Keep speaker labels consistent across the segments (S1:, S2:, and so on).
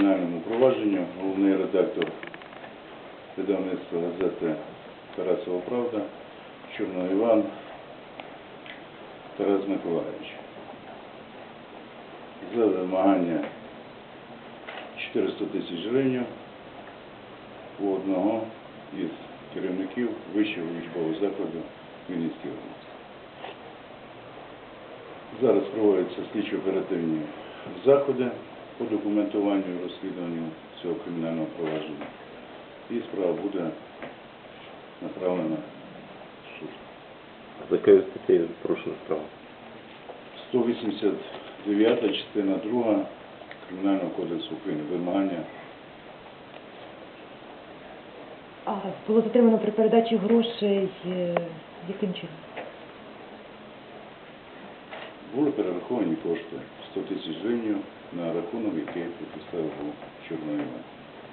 S1: кримінальному провадженню головний редактор видавництва газети «Тарасова Правда» Чорний Іван Тарас Миколаївич. За вимагання 400 тисяч гривень у одного із керівників вищого учбового закладу Хмельницької області. Зараз проводяться слідчо-оперативні заходи по документуванню і розслідуванню цього кримінального провадження. І справа буде направлена в суд.
S2: За якою статтею порушена справа?
S1: 189 частина 2 Кримінального кодексу України. Вимагання.
S3: А було затримано при передачі грошей яким чином?
S1: Були перераховані кошти 100 тисяч гривень на рахунок, який підписав був Чорний Іван.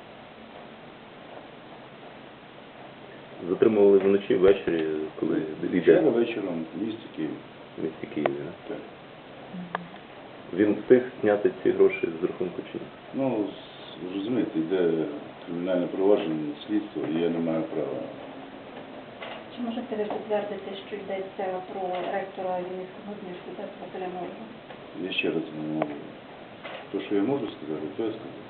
S2: Затримували вночі, ввечері, коли йде
S1: Вчора вечором в місті Києві.
S2: в місті Києві. Да?
S1: Так.
S2: Він встиг зняти ці гроші з рахунку чи ні?
S1: Ну, розумієте, йде кримінальне провадження, слідство, і я не маю права.
S4: Чи можете ви підтвердити, що йдеться про ректора Вінницького університету Василя Мороза?
S1: Я ще раз не можу. То, що я можу сказати, то я скажу.